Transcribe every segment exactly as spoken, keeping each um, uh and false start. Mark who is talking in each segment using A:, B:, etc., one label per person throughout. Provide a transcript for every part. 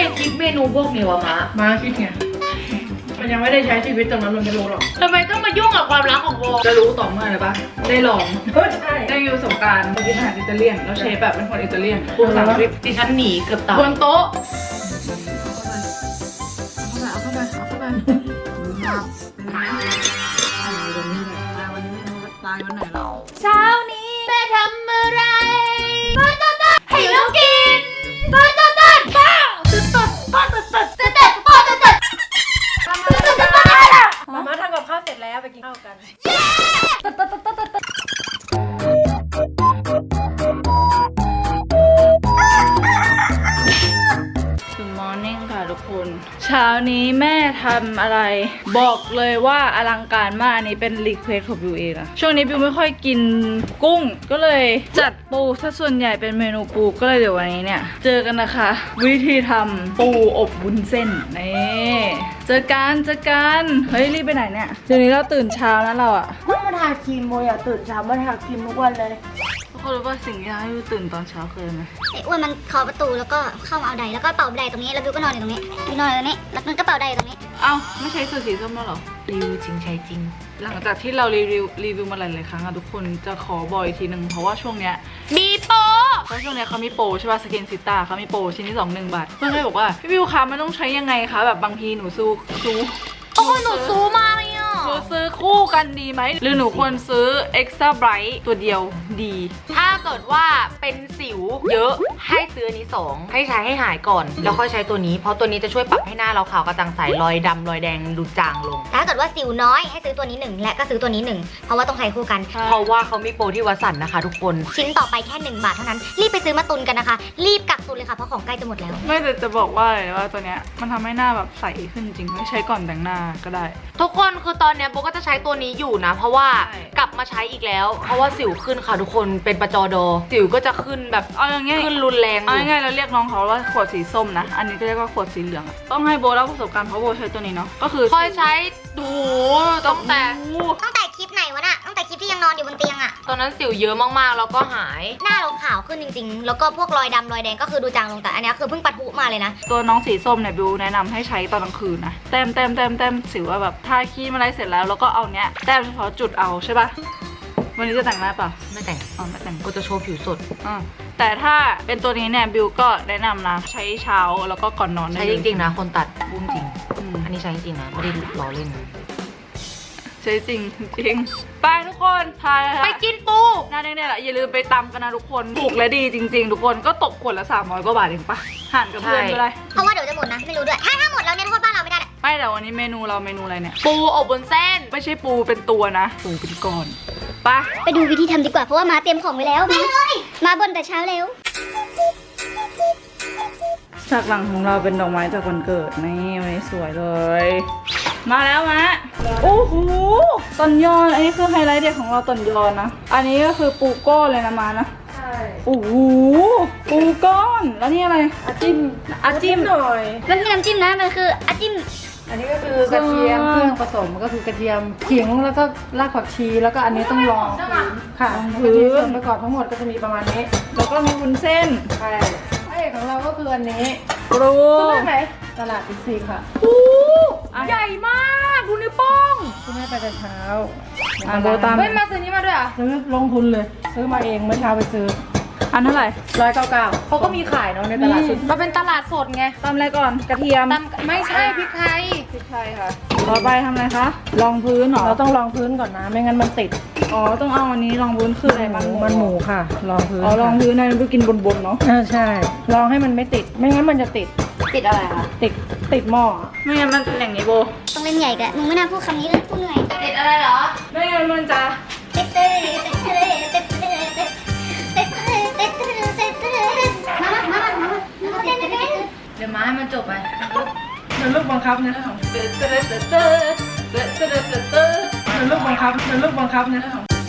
A: คิดเมนูพวกนี้วะมะมาคิดไงมันยังไม่ได้ใช้ชีวิตตรงนั้นมันไม่รู้หรอกทำไมต้องมายุ่งกับความรักของโบจะรู้ต่อเมื่อไรปะได้ลองใช่ได้อยู่ประสบการณ์กินอาหารอิตาเลียนแล้วเชฟแบบเป็นคนอิตาเลียนพูดภาษาอังกฤษดิฉันหนีเกือบตายบนโต๊ะเอาเข้าไปเอาเข้าไปเอาเข้าไปตายวันไหนเราเช้านี้แม่ทำอะไรต้นต้นต้นให้ลูกกินต้นต้นต้นป้าต้นต้นป้าต้นต้นต้นต้นป้าต้นต้นต้นต้นป้ามาม่าทำกับข้าวเสร็จแล้วไปกินข้าวกันต้นต้นต้นต้นต้นGood morning ค่ะทุกคนเช้านี้แม่ทำอะไรบอกเลยว่าอลังการมากอันนี้เป็นรีเควสของบิวเองนะช่วงนี้บิวไม่ค่อยกินกุ้งก็เลยจัดปูถ้าส่วนใหญ่เป็นเมนูปูก็เลยเดี๋ยววันนี้เนี่ยเจอกันนะคะวิธีทำปูอบวุ้นเส้นนี่เจอกันเจอกันเฮ้ยรีบไปไหนเนี่ยเดี๋ยวนี้เราตื่นเช้านะเราอะ
B: ต้องมาทาครีมโมอยากตื่นเช้ามาทาครีมทุกวันเลย
A: ทุกคนรู้ว่าสิ่งที่ทำให้บิวตื่นตอนเช้าคืออะไร
B: ไอ้อ้วนมันเคาะประตูแล้วก็เข้ามาเอาไดแล้วก็เป่าไดตรงนี้แล้วบิวก็นอนอยู่ตรงนี้บิวนอนอยู่ตรงนี้แล้วมันก็เป่าไดตรงนี้
A: เอ้าไม่ใช่สูตรสีส้มแล้วหรอรีวิวจริงใช้จริงหลังจากที่เรารีวิวรีวิวมาหลายๆครั้งอะทุกคนจะขอบอกอีกทีหนึ่งเพราะว่าช่วงเนี้ยมีโปรเพราะช่วงเนี้ยเขามีโปรใช่ป่ะสกินซิต้าเขามีโปรชิ้นที่สองหนึ่งบาทเพื่อนก็เลยบอกว่าพี่วิวคะมันต้องใช้ยังไงคะแบบบางทีหนูซูซู
B: โอ้หนูซูมาเลยอ่ะ
A: หนูซื้อคู่กันดีไหมหรือหนูควรซื้อ Extra Bright ตัวเดียวดี
C: ถ้าเกิดว่าเป็นสิวเยอะให้ซื้ออันนี้สองให้ใช้ให้หายก่อนแล้วค่อยใช้ตัวนี้เพราะตัวนี้จะช่วยปรับให้หน้าเราขาวกระจ่างใสรอยดำรอยแดงดูจางลง
B: ถ้าเกิดว่าสิวน้อยให้ซื้อตัวนี้หนึ่งและก็ซื้อตัวนี้หนึ่งเพราะว่าต้องใช้คู่กัน
C: เพราะว่าเขามีโปรที่วัสันนะคะทุกคน
B: ชิ้นต่อไปแค่หนึ่งบาทเท่านั้นรีบไปซื้อมาตุนกันนะคะรีบกักตุนเลยค่ะเพราะของใกล้จะหมดแล้ว
A: ไม่แต่จะบอกว่าเลยว่าตัวเนี้ยมันทำให้หน้าแบบใสขึ้นจริงไม่ใช้ก่อนแต่งหน้าก็ได้
C: ทุกคนคือตอนเนี้ยโบก็จะใช้ตัวนี้อยู่นะเพราะว่ากลับมาใช้อีกแล้วเพราะว่าสิวขึ้นค่ะทุกคนเป็นประจอดอสิวก็จะขึ้นแบบ
A: เอาอย่างงี้
C: ขึ้นรุนแรง
A: เอาง่ายๆเราเรียกน้องเขาว่าขวดสีส้มนะอันนี้ก็เรียกว่าขวดสีเหลืองต้องให้โบเล่าประสบการณ์เพราะโบใช้ตัวนี้เนาะก็คือ
C: คอยใช้ดูตั้งแต่
B: ตั้งแต่คลิปไหนวะน่ะตั้งแต่คลิปที่ยังนอนอยู่บนเตียงอะ
C: ตอนนั้นสิวเยอะมากๆแล้วก็หาย
B: หน้าเราขาวขึ้นจริงๆแล้วก็พวกรอยดำรอยแดงก็คือดูจางลงแต่อันนี้คือเพิ่งปะทุมาเลยนะ
A: ตัวน้องสีส้มเนี่ยบิวแนะนำให้ใช้ตอนกลางคืนนะแต้มแต้มแต้มแต้มสิวว่าแบบทาครีมอะไรเสร็จแล้วแล้วก็เอาเนี้ยแต้มเฉพาะจุดเอาใช่ปะวันนี้จะแต่งหน้าเปล่า
C: ไม่แต่ง
A: อ๋อไม่แต่ง
C: ก็จะโชว์ผิวสด
A: อ่าแต่ถ้าเป็นตัวนี้เนี่ยบิวก็แนะนำนะใช้เช้าแล้วก็ก่อนนอน
C: ใช้จริงๆนะคนตัดบุ้งจริงอันนี้ใช้จริงๆนะไม่ได้ล้อเล่น
A: ใช่จริงจริงไปทุกคนพา
C: ไปกินปู
A: หน้าเนี่ยแหละอย่าลืมไปตำกันนะทุกคนถูกและดีจริงๆทุกคนก็ตกขวดละสามร้อยกว่าบาทเองปะหั่นกับเพื่อนไปเลย
B: เพราะว่าเดี๋ยวจะหมดนะไม่รู้ด้วยถ้าถ้าหมดแล้วเนี่ยโทษบ้านเราไม่ได้
A: ไม่แต่วันนี้เมนูเราเมนูอะไรเนี่ย
C: ปูอบบนเส้น
A: ไม่ใช่ปูเป็นตัวนะปูเป็นก้อนไป
B: ไปดูวิธีทำดีกว่าเพราะว่ามาเตรียมของไว้แล้วมาเลยมาบนแต่เช้าเร็ว
A: ฉากหลังของเราเป็นดอกไม้จากวันเกิดนี่วันนี้สวยเลยมาแล้วมะโอ้โหตอนยอนอันนี้คือไฮไลท์เด็ดของเราตอนยอนนะอันนี้ก็คือปูก้อนเลยนะมานะใช่โอ้โหปูก้อนแล้วนี่อะไร
B: อาจิ้ม
A: อาจิ้มหน่อย
B: มันไม่น้ำจิ้มนะมันคืออาจิ้ม
D: อันนี้ก็คือกระเทียมเครื่องผสมก็คือกระเทียมขิงแล้วก็รากผักชีแล้วก็อันนี้ต้องรองค่ะคือส่วนประกอบทั้งหมดก็จะมีประมาณนี้
A: แล้วก็มีวุ้นเส้น
D: ใช่พระเอกของเราก็คืออันนี้
A: ปรู
D: ซื้อไหนตลาดบิ๊กซีค่ะ
A: โอ้ใหญ่มากดูนิ้วโป้ง
D: ซื้อให้ไปแต่เช้า
A: อ่าโบตาม
C: เฮ้ยมาซื้อนี้มาด้วยอ่ะ
D: ซื้อลงทุนเลยซื้อมาเองเมื่อเช้าไปซื้อ
A: อันเท่าไหร่
D: ร้อยเก้าเก้าเขาก็มีขายเนาะในตลาดสด
C: มันเป็นตลาดสดไง
A: ตำอะไรก่อนกระเทียม
C: ตำไม่ใช่พริกไทย
A: พริกไทยค่ะต่อไปทำอะไรคะรองพื้นหรอ
D: เราต้องรองพื้นก่อนนะไม่งั้นมันติด
A: อ๋อต้องเอาอันนี้รองพื้นคืออะไร
D: มันมันหมูค่ะรองพื้น
A: อ๋อรองพื้นนั่นก็กินบนๆเนาะ
D: อ่าใช่รองให้มันไม่ติดไม่งั้นมันจะติด
C: ติดอะไรคะ
D: ติดติดหม้อ
A: ไม่งั้นมันเป็นอย่างนี้โบ
B: ต้องเล่นใหญ่กันมึงไม่น่าพูดคำนี้เลยพูดเหนื่อย
C: ติดอะไรเหรอ
A: ไม่งั้นมันจะ
B: ติดเต้ติดเต้ติดเต้ติดเต้ติดเต้ติดเต้มามามามามาเต้นเต้น
C: เดี๋ยวมาให้มันจบไป
D: เป็นลูกบังคับนะ
A: เต้เต้เต้เต้เต้เต้เต้เต้
D: เป็นลูกบังคับเป็นลูกบังคับนะ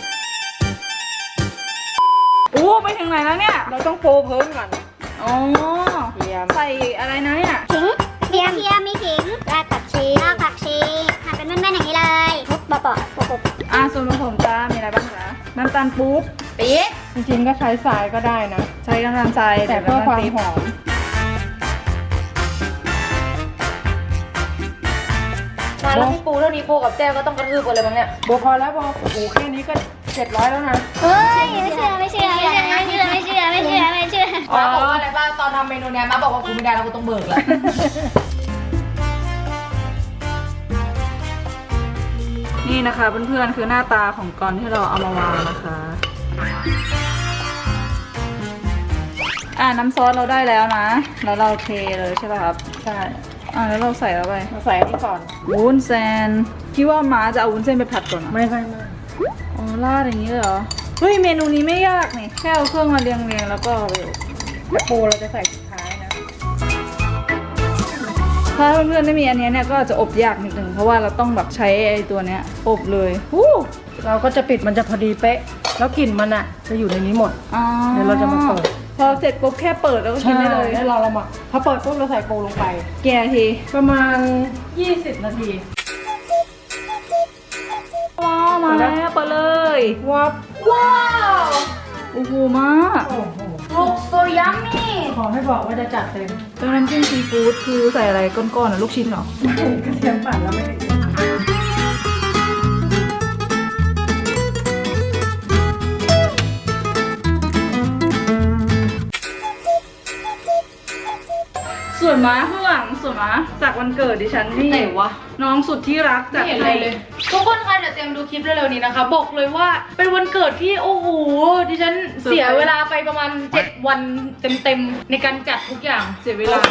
A: โอ้ไปถึงไหนแล้วเนี่ย
D: เราต้องโปเพิ่มก่อน
A: อ๋อใส่อะไรนะเนี่ย
B: ขิงเทียมเทียมมีขิงรากผักชีรากผักชีหั่นเป็นแม่นๆอย่างนี้เลยทุบปะปะปะปะ
A: อ่ะส่วนผสมจ้ามีอะไรบ้างคะน้ำตาลปุ๊บปี๊บ
D: จริงๆก็ใช้ทรายก็ได้นะ
A: ใช้น้ำตาลทราย
D: แต่เพื่อความหอม
C: แล้วพี่ปูเท่านี้โบกับแจ้ก็ต้องกระทืบกันเลยมั้งเนี่ย
D: โบพอแล้วโบโอ้โหแค่นี้ก็เจ็ดร้อยแล้วนะ
B: เฮ้ยไม่เชื่อไม่เชื่อไม่เชื่อไม่เชื่อไม่เชื่อไม่เชื่อไม่เชื่อ
C: มาบอกว่าอะไรบ้างตอนทำเมนูเนี้ยมาบอกว่ากูไม่ได้แล้วกูต้องเบิกแล้ว
A: นี่นะคะเพื่อนๆคือหน้าตาของกอนที่เราเอามาวางนะคะ อ่าน้ำซอสเราได้แล้วนะ แล้วเราเทเลยใช่ป่ะครับ
D: ใช่
A: อ่าแล้วเราใส่แล้วไป
D: มาใส่อันนี้ก่อน
A: วุ้นเส้นคิดว่าม้าจะเอาวุ้นเส้นไปผัดก่อนเหรอ
D: ไม่ไม่ไม่
A: อ๋อราดอย่างนี้เลยเหรอ เฮ้ยเมนูนี้ไม่ยากนี่แค่เอาเครื่องมาเรียงๆแล้วก็เอาไปอบ
D: แต่ปูเราจะใส่สุดท้ายนะ
A: ถ้าเพื่อนๆไม่มีอันเนี้ยเนี่ยก็จะอบยากนิดนึงเพราะว่าเราต้องแบบใช้ไอ้ตัวเนี้ยอบเลยฮู้
D: เราก็จะปิดมันจะพอดีเป๊ะ แล้วกลิ่นมันอ่ะจะอยู่ในนี้หมด
A: อ๋อ
D: เดี๋ยวเราจะมาเปิด
A: พอเสร็จปุ๊บแค่เปิดแล้วก็กินได้เลย
D: แล้วเราเรามาพอเปิดปุ๊บเราใส่ปูลงไป
A: แกะที
D: ประมาณยี่สิบนาที
A: ว้าวมาแล้วเปิดเลย
D: วับ
A: ว้าวโอ้โหมาก
D: โอ้โห
C: ลูกโซยัมมี่
D: ขอให้บอกว่าจะจัดเต็ม
A: เป็นน้ำจิ้มซีฟู้ดคือใส่อะไรก้อนๆอ่ะลูกชิ้นเหรอ
D: กระเทียมปั่นแล้วไม่ได้
A: ส่วนม้าข้างหลังส่วนม้าจากวันเกิดดิฉันนี่
C: ไหนวะ
A: น้องสุดที่รัก
C: ไม่
A: จาก
C: เห็นอะไรเลย ทุกคนคะเดี๋ยวเตรียมดูคลิปเร็วๆนี้นะคะ บอกเลยว่าเป็นวันเกิดที่โอ้โหดิฉันเสียเวลาไปประมาณเจ็ดวันเต็มๆในการจัดทุกอย่าง
A: เสียเวลา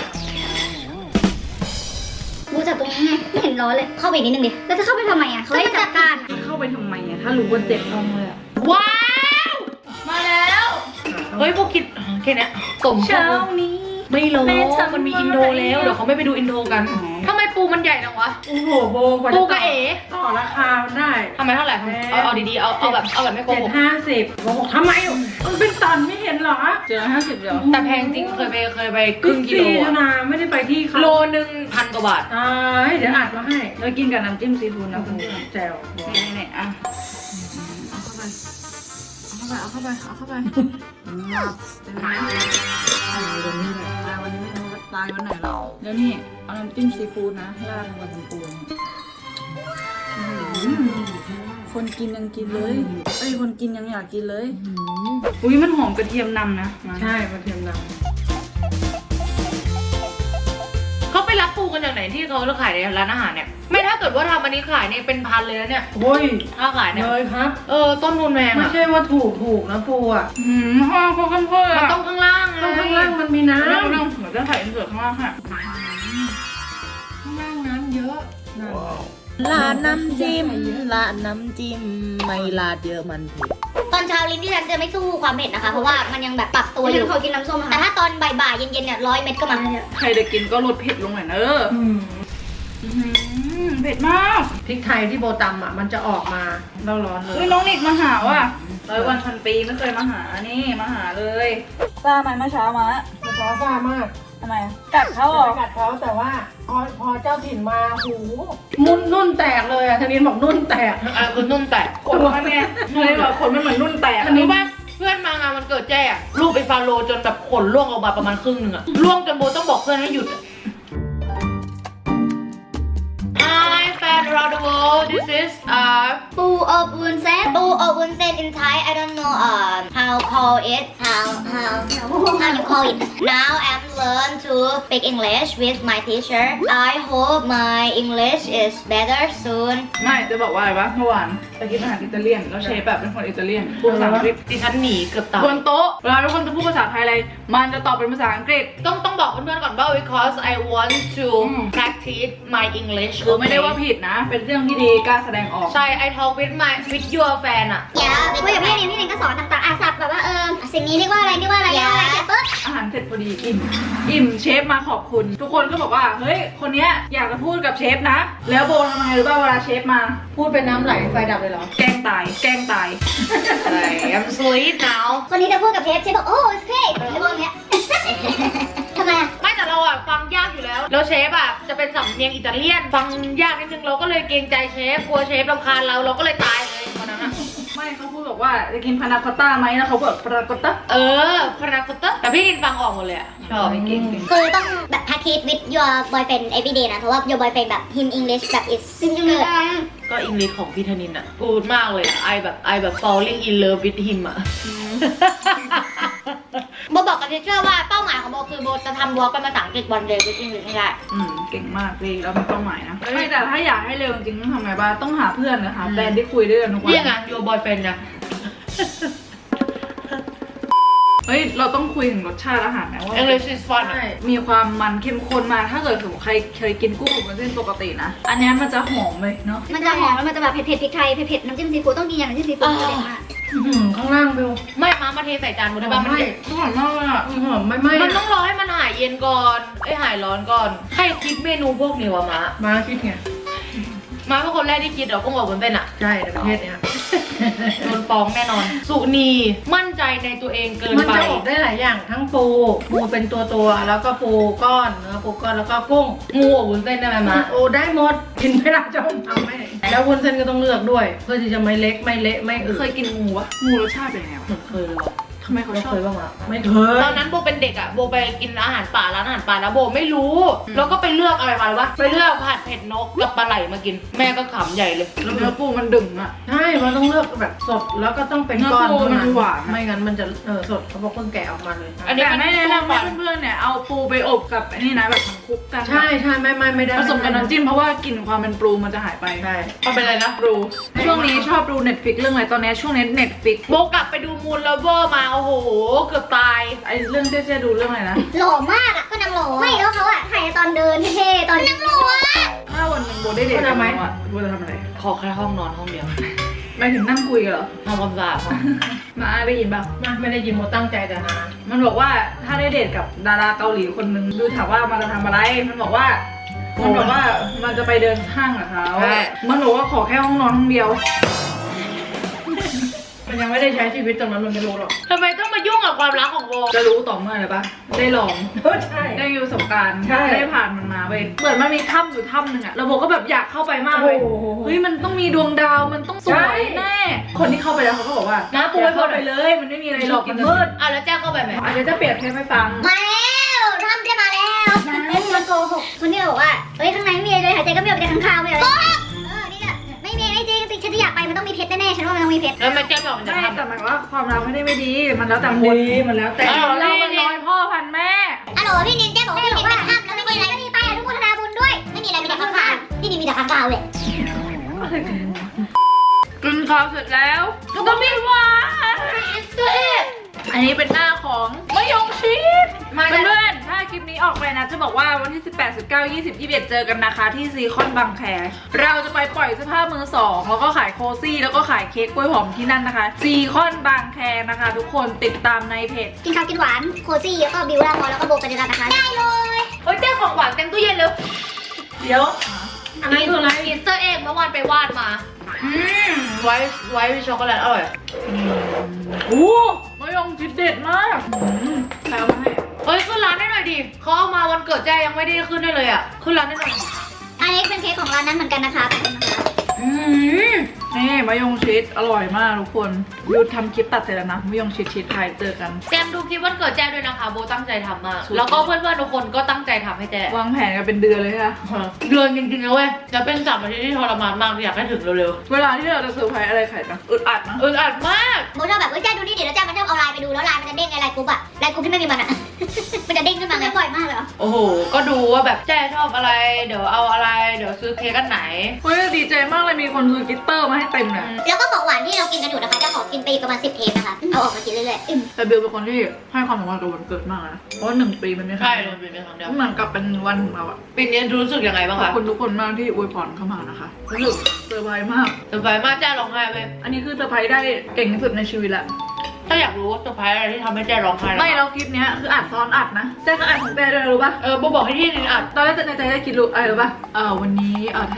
B: บูจับตรงนี้ไงไม่เห็นร้อนเลยเข้าไปอีกนิดนึงดิแล้วจะเข้าไปทำไมอ่ะเขาให้จัดการ
A: เข้าไปทำไมอ่ะถ้ารู้ว่าเจ็บท้องเลยอ่ะ
C: ว้าว มาแล้วเฮ้ยพวกคิดแค่เนี้ยสม
A: เช้านี้
C: ไม่รู้
A: แม่ทำ
C: มันมีอินโทรแล้วเดี๋ยวเขาไม่ไปดูอินโทรกันทำไมปูมันใหญ่จังวะ
D: โอ้โหโบกว่าจะ
C: ปูกับเอ๋
D: ต่อราคามันได้
C: ทำไมเท่าไหร่เอาเอาดีๆเอาเอาแบบเอาแบบไม่โก
D: เจ็ด
C: หก
D: ห้าสิบโบบอกทำไมอ่ะมันเป็นตันไม่เห็นเหรอ
A: เจอห้าสิบเดียว
C: แต่แพงจริงเคยไปเคยไปครึ่งกิโล
D: บิ๊กซี
C: อะ
D: นะไม่ได้ไปที่เขา
C: โลนึงพันกว่าบาท
D: ตายเดี๋ยวอัดมาให้
A: แล้วกินกับน้ำจิ้มซีฟู้ดนะคุณ
D: แจ่ว
A: นี่นี่ๆอ่ะเอาเข้าไปเอาเข้าไปเอาเข้าไปเอาเข้าไปงับเต็มนะตายวันนี้แหละตายวันนี้ไม่รู้ว่าตายวันไหนหรอกแล้วนี่เอาน้ำจิ้มซีฟู้ดนะราดลงไปบนปูนี่อื้อหือคนกินยังกินเลยเอ้ยคนกินยังอยากกินเลยอุ้ยมันหอมกระเทียมนำนะมา
D: ใช่กระเทียมด
C: เขาไปรับปูกันจากไหนที่เขาขายในร้านอาหารเนี่ย ไม่ถ้าเกิดว่าทำอันนี้ขายเนี่ยเป็นพันเลยนะเนี่ย
D: ำโอ้ย
C: ถ้าขายเนี่ย
D: เลยครับ
C: เออต้นทุนแพง
D: ไม่
C: อะ
D: ใช่ว่าถูกถูกนะปูอ่ะ
A: หืมห่อเขาข้างเพื่อ
C: มันต้องข้างล่างไง
D: ต้องข้างล่างมันมีน้ำ
A: เรื่องเรื่องเหมือนจะใส่อินเสิร์ตข้างล่างค่ะ
D: ข้างล่างน้ำเยอะนั่น
E: ลาดน้ำจิ้มลาดน้ำจิ้มไม่ลาดเยอะมันเผ็ด
B: ตอนเช้าลิ้นที่ฉันจะไม่สู้ความเผ็ดนะคะ เพราะว่ามันยังแบบปรับตัวอยู่ขอกินน้ำส้มแต่ถ้าตอนบ่ายๆเย็นๆเนี่ยร้อยเม็ดก็มา
A: ใครจะกินก็ลดเผ็ดลงหน่อยเนอะ
D: อืม
A: อื้อหือเผ็ดมาก
D: พริกไทยที่โบตำอ่ะมันจะออกมาเราร้อนเล
A: เฮ้ย
D: ย
A: น้องนิกมาหาว่ะร้อยวันพันปีไม่เคยมาหานี่มาหาเลยทราบไหมเมื่อเช้ามา
D: มันร้อนซ่ามาก
A: ทำไมกัดเขาเหรอ
D: ไปกัดเขาแต่ว่าพอพอเจ้าถิ่นมาหูมุนนุ่นแตกเลยอ่ะธนินบอกนุ่นแตก
C: อะไรคือนุ่มแตก
A: ขนมันไงเลยบอกขนมันเหมือนนุ่นแตก
C: รู้ป่ะเพื่อนมางานวันเกิดแจ้อะรูปไปฟาโลจนแบบขนร่วงออกมาประมาณครึ่งหนึ่งอะร่วงจนโบต้องบอกเพื่อนให้หยุดอะ Hi fan around the world this is uh
B: ปูอบวุ้นเส้นปูอบวุ้นเส้น in Thai I don't know um how call it how how how you call it now I'm learn to speak English with my teacher I hope my English is better soon
A: ไม่จะบอกว่าอะไรวะเมื่อวานไปกินอาหารอิตาเลียนแล้วเชฟแบบเป็นคนอิตาเลียนพูดภาษาอังกฤษ
C: ดิฉันหนีเกือบตาย
A: บนโต๊ะเวลาทุกคนจะพูดภาษาไทยอะไรมันจะตอบเป็นภาษาอังกฤษ
C: ต้องต้องบอกเพื่อนๆก่อนว่า because I want to practice my English
A: คือไม่ได้ว่าผิดนะ เป็นเรื่องที่ดีกล้าแสดงออก
C: ใช่ I talk with my with your fan อะ
B: อย่าคุยกับพี่เนมพี่เนมก็สอนต่างๆอ่ะศัพท์แบบว่าเออสิ่งนี้เรียกว่าอะไรเรียกว่าอะไรเรียกว่าอะไรเสร็จปุ๊บ
A: อาหารเสร็จพอดีอิ่ม อิ่มเชฟมาขอบคุณ ทุกคนก็บอกว่า เฮ้ย คนเนี้ยอยากจะพูดกับเชฟนะ แล้วโบทำไงหรือเปล่าเวลาเชฟมา
D: พูดเป็นน้ำไหลไฟดับเลยเหรอ
A: แกล้งตาย แกล้งตาย
C: อะไร I'm sleep now
B: คนนี้จะพูดกับเชฟเชฟบอกโอ้ it's great ไอ้พวกเนี้ย ทำไมอ่ะ
C: ไม่แต่เราอะฟังยากอยู่แล้ว แล้วเชฟอะจะเป็นสำเนียงอิตาเลียน ฟังยากนิดนึงเราก็เลยเกรงใจเชฟกลัวเชฟรำคาญเราเราก็เลยตายเลยวันนั้นอะ
A: ไม่ไม่เขาพูดบอกว่าจะกินพานาคอตต้าไหมแล้วเขาบอกพานาคอตต้า
C: เออพาราโกต้าแต่พี่กินฟังออกหมดเลยอะชอบเก่ง
B: คือต้องแบบ practice with your boyfriend every day นะ เพราะว่า your boyfriend แบบ him English แบบ is good
C: ก็อังกฤษของพี่ธนินอะพูดมากเลยไอแบบไอแบบ falling in love with him อะ
B: โบบอกกับเทเชอร์ว่าเป้าหมายของโบคือโบจะทำวอล์กเป็นภาษาอังกฤษวันเดย์วิธีนี้ให้ได้
A: อืมเก่งมากเลยแล้วมีเป้าหมายนะไม่แต่ถ้าอยากให้เร็วจริงๆต้องทำไงบ้างต้องหาเพื่อนนะคะแฟนที่คุยด้วยกันทุกวัน
C: นี่ไง your boyfriend นะ
A: เฮ้ยเราต้องคุยถึงรสชาติอาหารนะว่า
C: English is fun อะ
A: มีความมันเข้มข้นมากถ้าเกิดสมมติใครเคยกินกุ้งอบวุ้นเส้นปกตินะอันเนี้ยมันจะหอมเลยเนาะ
B: มันจะหอมแล้วมันจะแบบเผ็ดๆพริกไทยเผ็ดๆน้ำจิ้มซีฟู้ดต้องกินอย่างน้ำจิ้มซีฟู้ดเด็ดมาก
D: อื้อหือข้างล่างบิว
C: ไม่มามาเทใส่จานหมดได้ป่ะมัน
D: ไม่
C: เด็ด
A: อร่อยมากเลยอ่ะ
D: อื้อหือไม่ไหม้
C: มันต้องรอให้มันหายเย็นก่อนไอยหายร้อนก่อนใครคิดเมนูพวกนี้วะมา
D: มาคิดไง
C: มาเป็นคนแรกที่คิดเหรอกุ้งอบวุ้นเส้นอะ
D: ใช่ในประเทศเนี้ย
C: โดนฟ้องแน่นอน สุนีมั่นใจในตัวเองเกิน
D: มัน
C: ไป
D: จะอบได้หลายอย่างทั้งปูปูเป็นตัวตัวๆแล้วก็ปูก้อนเนื้อปูก้อนแล้วก็กุ้ง
C: งูอบวุ้นเส้นได้ไหมมา
D: โอ้ได้หมดกินไม่ได้จะทำไม่แล้ววุ้นเส้นก็ต้องเลือกด้วย เพื่อที่จะไม่เล็กไม่เละไม่อืด
A: เคยกินงูปะงูรสชาติเป็นไงวะ
C: เหมือนเคยเลยว่ะ
A: ทำไมเขา
D: ไม่
A: ชอ
D: เค
A: บ
D: ยบ้างอ่ะไม่เคย
C: ตอนนั้นโบเป็นเด็กอะโบไปกินอาหารป่าร้านอาหารป่าแล้วโบไม่รู้ แล้วก็ไปเลือกอะไรมาหรือวะไปเลือกผัดเผ็ดนกกับปลาไหลมากิน แม่ก็ขำใหญ่เลย
A: แล้วเนื้อปูมันดึงอ่ะ
D: ใช่มันต้องเลือกแบบสดแล้วก็ต้องเป็นก้อน
A: เนื้อปูมันหวาน
D: ไม่งั้นมันจะเออสดเขาบอกเพิ่งแกะออกมาเลย
C: อันนี้
A: แต่
C: มัน
A: ไม่แนะนำ
C: สู้
A: ให้
C: ฟัน
A: เพื่อนๆเนี่ยเอาปูไปอบกับอันนี้นะแบบคลุกกัน
D: ใช่ใช่ไม่ไม่ไม่ได้
A: ผสมกับน้ำจิ้มเพราะว่ากลิ่นความเป็นปูมันจะหายไป
D: ใช่
C: มันเป็นอะไรนะ
A: ปูช่วงนี้ชอบดู Netflix เรื่องอะไรตอนนี้ช่วงนี้ Netflix
C: โบกลับไปดูมูนเลเวอร์มาโอ้โหเกือบตาย
A: ไอเรื่องเจ๊ๆดูเรื่องอะไรนะ
B: หล่อมากอ่ะก็นางหล่อไม่แล้วเขาอ่ะถ่ายตอนเดินเท่ๆตอนนางหล่ออ่ะ
A: ถ้าวันหนึงโบได้เดทกับน้องอ่ะโบจะทำอะไร
C: ขอแค่ห้องนอนห้องเดียว
A: หมายถึงนั่งคุยกันเหรอ
C: ทำความสะอาดห้อง
A: มาได้ยินป่ะ
D: มาไม่ได้ยินโมตั้งใจแต่หา
A: มันบอกว่าถ้าได้เดทกับดาราเกาหลีคนหนึงดูถามว่ามันจะทำอะไร มันบอกว่า มันบอกว่ามันจะไปเดินห้างกับเขา
C: ใช่
A: มันบอกว่าขอแค่ห้องนอนห้องเดียว
D: มันยังไม่ได้ใช้ชีวิตตรงนั้นมันไม่รู้หรอก
C: ทำไมต้องมายุ่งกับความรักของโบ
A: จะรู้ต่อเมื่ออะไรปะได้ลอง
D: ใช่
A: ได้มีประสบการณ์
D: ใช่
A: ได้ผ่านมันมาไปเหมือนมันมีถ้ำอยู่ถ้ำหนึ่งอะแล้วโบก็แบบอยากเข้าไปมากเลย
D: โอ้โห
A: เฮ้ยมันต้องมีดวงดาวมันต้องสวยแน่ คนที่เข้าไปแล้วเขาก็บอกว่า
C: น้าปู
A: อย่า
C: ไว้
A: เข้า
C: บน
A: ไปเลย มันไม่มีอะไรหรอกมันมืด
C: อ่ะแล้วแจ้งเข้าไปไหม
A: อาจจะจะเปรียบเทียบให้ฟัง
B: มาแล้วทำได้มาแล้วนายมันโกหกคนที่บอกว่าเฮ้ยข้างในไม่มีอะไรเลยหายใจก็ไม่ออกไปจากข้างคาวไม่อะไรโกหกเออนี่อะไม่มีไม่จริงสิฉันจะอยากไปมันต้องมีเพชรแน่ๆฉันว่ามันต้องมีเพชร
C: แล้วแม่แจ้งบอกมันจะ
A: ไม่
C: ทำ
A: แต่หมายว่าความรักไม่ได้ไม่ดี มันแล้วแต่คน
D: ดีมันแล้วแต่
A: แต่เรามันน้อยพ่อพันแม่
B: ฮัลโหลพี่นินแจ้บอกว่าพี่นินเป็นถ้ำแล้วไม่มีอะไรก็มีไปอนุโมทนาบุญด้วย ไม่มีอะไรมีแต่ข้างคาวพี่นินมีแต่ข้างคาวเลย
A: กินข้าวเสร็จแล้วก็ต้องมีหวานอันนี้เป็นหน้าของมะยงชิด
C: มา
A: เพื่อนๆถ้าคลิปนี้ออกไปนะจะบอกว่าวันที่ สิบแปด สิบเก้า ยี่สิบ ยี่สิบเอ็ด เจอกันนะคะที่ซีคอนบางแคเราจะไปปล่อยเสื้อผ้ามือสองแล้วก็ขายโคซี่แล้วก็ขายเค้กกล้วยหอมที่นั่นนะคะซีคอนบางแคนะคะ ทุกคนติดตามในเพจ
B: กินข้าวกินหวานโคซี่แล้วก็บิวลาพอแล้วก็โบกันนะคะ ได้เลย
C: เฮ้ยแจ้งของหวานเต็มตู้เย็นเลย
A: เดี๋ยว
D: อันนั้นคืออะไร
C: อีสเตอร์เอ็กเมื่อวานไปวาดมา อืมไว้ไว้ช็อกโกแลตอร่อย
A: โอ้มะยงชิดเด็ดมากใครเอามาให้
C: เฮ้ยขึ้นร้านได้หน่อยดิเขาเอามาวันเกิดแจ้ยังไม่ได้ขึ้นได้เลยอ่ะขึ้นร้านได้หน่อย
B: อันนี้เป็นเค้กของร้านนั้นเหมือนกันนะคะขอบคุณนะคะ
C: อืม
A: นี่มะยงชิดอร่อยมากทุกคนวิวทำคลิปตัดเสร็จแล้วนะมะยงชิดชิดไทยเจอกัน
C: เตรียมดูคลิปวันเกิดแจ้ด้วยนะคะโบตั้งใจทำมาก
A: สุด
C: แล้วก็เพื่อนๆทุกคนก็ตั้งใจทำให้แจ้
A: วางแผนกันเป็นเดือนเลยค่ะ
C: เดือนจริงๆนะเว้ยจะเป็นสามอาทิตย์ที่ทรมานมากอยากให้ถึงเร็ว
A: เวลาที่เราจะเซอร์ไพรส์อะไรใครนะอึดอัดนะ
C: ๆอึดอัดมาก
B: โบชอบแบบเฮ้ยแจ้ดูนี่เดี๋ยวแล้วแจ้มันชอบเอาไลน์ไปดูแล้วไลน์มันจะเด้งไงไลน์กรุ๊ปอะไลน์กรุ๊ปที่ไม่มีมันอะ มันจะเด้งขึ้นมาไงบ่อยมากเลยเหรอ
C: โอ้โหก็ดูว่าแบบแจ้ชอบอะไรเดี๋ยวเอาอะไรเดี๋ยวซื้อเค้กกันไหน
A: เฮ้ยดีใจมากเลยมีคนซื้อกิตเตอร์มาให้เต็มเลย
B: แล้วก็ของหวานที่เรากินกันอยู่นะคะจะขอกินไปอีกประมาณสิบเทปนะคะ เอาออกมากินเรื่อยๆอืม
A: แต่เบลเป็นคนที่ให้ความสำคัญกับวันเกิดมากนะเพราะว่าหนึ่งปีมันไม่
C: ใช่
A: ใช่
C: เลยเป็นครั้งเดียว
A: เหมือนกับเป็นวันของเราอะ
C: ปีนี้รู้สึกยังไงบ้าง
A: ขอบ
C: คะ
A: คุณทุกคนมากที่อวยพรเข้ามานะคะรู้สึกเซอร์ไพรส์มาก
C: เซอร์ไพรส์มากแจ้ร้องไห้ไป
A: อันนี้คือเซอร์ไพรส์ได้เก่งที่สุดในชีวิตละ
C: ถ้าอยากรู้ว่าเซอร์ไพรส์อะไรที่ทำให้แจ้ร้องไห้
A: ไม่แล้วคลิปเนี้ยคืออัดซ้อนอัดนะแจ้ก็อัดของแจ้ด้วยรู้ปะ
C: เออโบบอกให้ที่นินอัด
A: ตอนแรกในใจได้คิดรู้อะไรรู้ปะเออวันนี้เออธนินท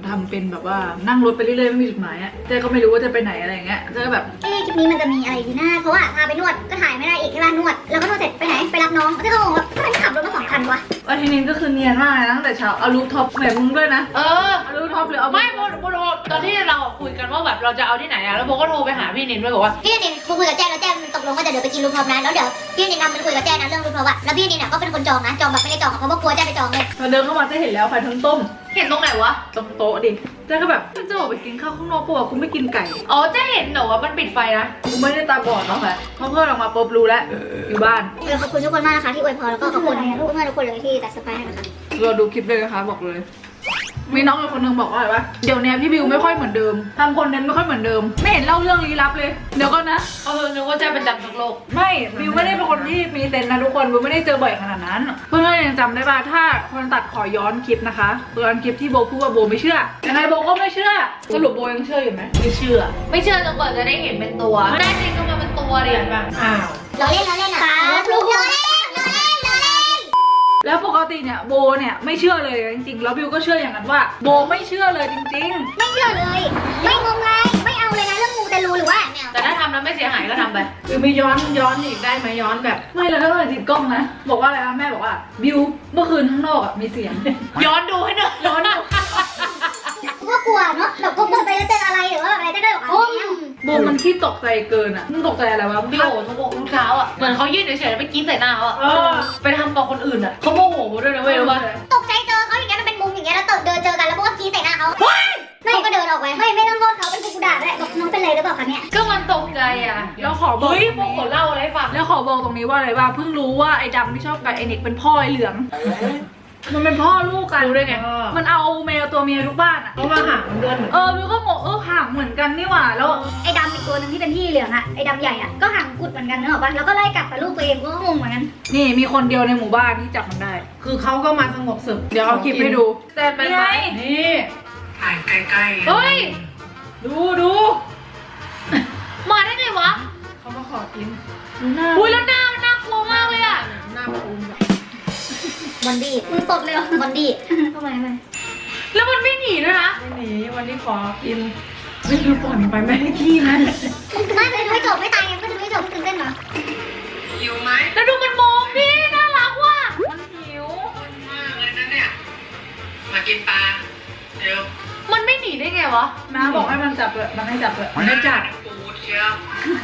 A: ทำเป็นแบบว่านั่งรถไปเรื่อยๆไม่มีจุดหมายอะเจ๊ก็ไม่รู้ว่าจะไปไหนอะไรอย่างเงี้ยเจ๊ก็แบบ
B: เอ๊ะคลิปนี้มันจะมีอะไรดีนะเพราะว่าพาไปนวดก็ถ่ายไม่ได้อีกที่ร้านนวดแล้วก็นวดเสร็จไปไหนไปรับน้องก็งงว่าทำไมไม่ขับรถมาสองคันวะ
A: วันทีนี้ก็คือเนียนมากเลยนะตั้งแต่เช้าเอารูปท็อปแบบมึงด้วยนะ
C: เออ
A: เอารูปท็อปหรือเอา
C: ไม่โบโบโทรตอนที่เราคุยกันว่าแบบเราจะเอาที่ไหนอะแล้วโบก็โทรไปหาพี่นินด้วยบอกว่า
B: พี่นินคุยกับแจ้แล้วแจ้มันตกลงว่าจะเดี๋ยวไปกินลูกพร้อมนะแล้วเดี๋ยวพี่นินทำมันคุยกับแจ้นะเรื่องลูกพร้อมอะแล้วพี่นินเนี่ยก็เป็นคนจองนะจองแบบไม่ได้จองเพราะว่ากลัวแจ้ไปจองเลย
A: พอเดินเข้ามาเจ๊เห็นแล้วไข่ทั้งต้ม
C: เห็นตรงไหนวะ
A: ตรงโต๊ะดิเจ๊ก็แบบจะออกไปกินข้าวข้างนอกปะวะกูไม่กินไก่
C: อ๋อเจะเห็นเหรอว่ามันปิดไฟนะ
A: กูไม่ได้ตาบอดเนาะค่ะเพราะเพื่อนออกมาปุ๊บรู้แล้วอยู่บ้าน
B: เออขอบคุณทุกคนมากนะคะที่อวยพรแล้วก็ขอบคุณเพื่อนๆทุกคนเลยที่ตัดสไปให้นะคะ
A: เราดูคลิปเลยนะคะบอกเลย มีน้องอีกคนนึงบอกว่าอะไรวะเดี๋ยวเนี้ยพี่บิวไม่ค่อยเหมือนเดิมทำคอนเทนต์ไม่ค่อยเหมือนเดิม ไม่เห็นเล่าเรื่องลี้ลับเลย เดี๋ยวก่อนนะ
C: เออนึกว่าเจะเป็นจำทุกโลก
A: ไม่บิวไม่ได้เป็นคนที่มีเซนส์นะทุกคนบิวไม่ได้เจอบ่อยขนาดนั้น เพื่อนๆยังจำได้ป่ะถ้าคนตัดขอย้อนคลิปนะคะย้อนคลิปที่โบพูดว่าโบไม่เชื่อยังไงโบก็ไม่เชื่อสรุปโบยังเชื่ออยู่ไหมไม่เชื่อ
C: ไม่เชื่อจนกว่าจะได้เห็นเป็นตัวแน่จริงก็มาเป็นตัวดิแบบอ้าว
B: เราเล่นเราเล่นอ่ะครับลูกเราเล่นเราเล่นเราเล่น
A: แล้วปกติเนี่ยโบเนี่ยไม่เชื่อเลยจริงๆแล้วบิวก็เชื่ออย่างนั้นว่าโบไม่เชื่อเลยจริง
B: ไม่เชื่อเลย ไม่งมงายไม่เอาเลยนะเรื่องมูแต่รู้หรือว่าเนี่ย
C: แต่ถ้าทำแล้วไม่เสียหายก็ทำไป
A: ๆบิวไม่ย้อนย้อนอีกได้ไหมย้อนแบบ ไม่แล้วก็เลยติดกล้องนะบอกว่าอะไรนะแม่บอกว่าบิวเมื่อคืนข้างนอกอ่ะมีเสียง
C: ย้อนดูให้หน่อยย้อนดู
B: ว่ากลัวเนาะแบบกลัวไปแล้วเจออะไรหรือว่าอะไรก็ได้แบบโอ้ย
A: โบมันขี้ตกใจเกินอ่ะมึงตกใจอะไรวะ
C: พี่โอ๋ทุกทุกเช้าอ่ะเหมือนเขายืนเฉยๆแล้วไปกินใส่หน้าเขาอ่ะ
A: เออ
C: ไปทำกับคนอื่นอ่ะเขาโมโหด้วยนะเว้ยรู้ป่ะ
B: ตกใจเจอเขาอย่างเงี้ยมันเป็นมุมอย่างเงี้ยแล้วเดินเจอกันแล้วพวกก็กรี๊ดใส่หน้าเขาไม่ก็เดินออกไปไม่ไม่ต้องโทษเขาเป็นกูด่าด้วยบอกน้องเป็นไรหรือเปล่าคะเนี่ย
C: ก็มันตกใจอ่ะ
A: แล้วขอบอก
C: เฮ้ยโมโหเล่าอะไรให้ฟัง
A: แล้วขอบอกตรงนี้ว่าอะไรว่าเพิ่งรู้ว่าไอ้ดำที่ชอบกับไอ้เน็กเป็นพ่อไอ้เหลือง มันเป็นพ่อลูกกัน
C: รู้ได้ไง
A: มันเอาแมวตัวเมียทุกบ้านอ่ะ
C: เขามาหามันเดือนเหมือน
A: เออวิวก็งงเออห่างเหมือนกันนี่หว่าแล้ว
B: ไอ้ดำอีกตัวหนึงที่เป็นพี่เหลืองอะไอ้ดำใหญ่อะก็ห่างกุดเหมือนกันเนอะป่ะแล้วก็ไล่กัดแต่ลูกตัวเองก็งงเหมือนกัน
A: นี่มีคนเดียวในหมู่บ้านที่จับมันได้
C: คือเขาก็มาสงบศึก
A: เดี๋ยวเอาคลิปให้ดู
C: แต่เป็น
A: นี่
C: ไง
A: ไงนี่
F: ถ่ายใกล้ๆ
C: เฮ้ย
A: ดูดู
C: มาได้ไงวะ
A: เขามาขอกินดูหน้า
C: อุ้ยแล้วหน้ามันน่ากลัวมากเลยอ่ะ
A: หน้าปูนแบบ
B: บอนดี้มึงตดเลยเหรอบอนดี้ทำไมทำไม
C: แล้วมันไม่หนีด้วยนะ
A: ไม่หนีวันนี้ขอกินนี่คือปล่อยมันไปไม่ให้ขี้นะ
B: มึงไม่ไม่ไม่จบไม่ตายยังก็จะไม่จบมึงตื่นเต้นเหรอ
F: หิวไหม
C: แล้วดูมันมองดิน่ารักว่ะ
A: มันหิว
F: คนมากเลยนะเนี่ย มากินปลา เดี๋ยว
C: มันไม่หนีได้ไงวะ
A: น้าบอกให้มันจับเลยมันให้จับเลย
F: ไม่จัดปูเชียว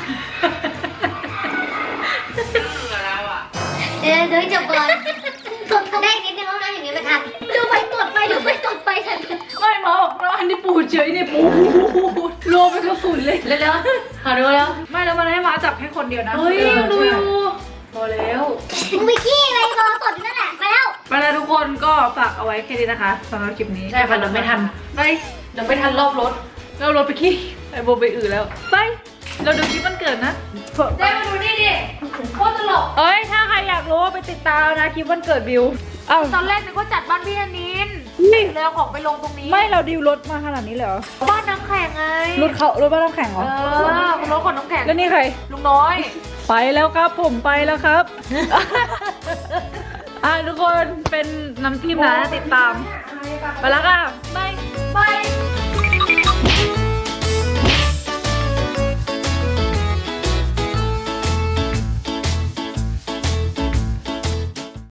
F: เชื่อแล้วอ่ะ
B: เดี๋ยวเดี๋ยวจบก่อนตดได้นิดนึงแล้วนะอย่างเงี้ยไปทำดูไปตดไปดูไปตดไปทัน
A: ไม่หมอบอกว่าอันนี้ปูดเฉยนี่ปูดรวมเป็นกระสุนเลย
C: เร็วๆขอดูแล้ว
A: ไม่แล้วมันให้มาจับแค่คนเดียวนะ
C: เฮ้ย
A: ออ
C: ดูอยู่
A: พอแล้ว
B: มึงไปขี้อะไรรอตดอยู่นั่นแหละไปแล้ว
A: ไปแล้วทุกคนก็ฝากเอาไว้แค่นี้นะคะสำหรับคลิปนี้
C: ใช่ค่ะเดี๋ยวไม่ทัน
A: ไป
C: เดี๋ยวไม่ทันรอบรถ
A: เรารถไปขี้ไปโบไปอื่นแล้วไปเราดูคลิปมันเกิดนะ
C: เจ๊มาดูนี่ดิโคตรตลก
A: เอ้ยถ้าใครอยากรู้ไปติดตามนะคลิปวันเกิดบิวเอ้า
C: ตอนแรกนึกว่าจัดบ้านพี่ธนินแล้วของไปลงตรงนี้
A: ไม่เราดิวรถมาขนาดนี้เลยเหรอ
C: บ้านน้ำแข็งไง
A: รถเขารถบ้านน้ำแข็งเหร
C: เอ
A: อ
C: อคุณรถขนน้ำแข็ง
A: แล้วนี่ใคร
C: ลุงน้อย
A: ไปแล้วครับผมไปแล้วครับ อ่ะทุกคนเป็นน้ำจิ้มนะติดตาม ไปแล้วค่ะบาย
C: บาย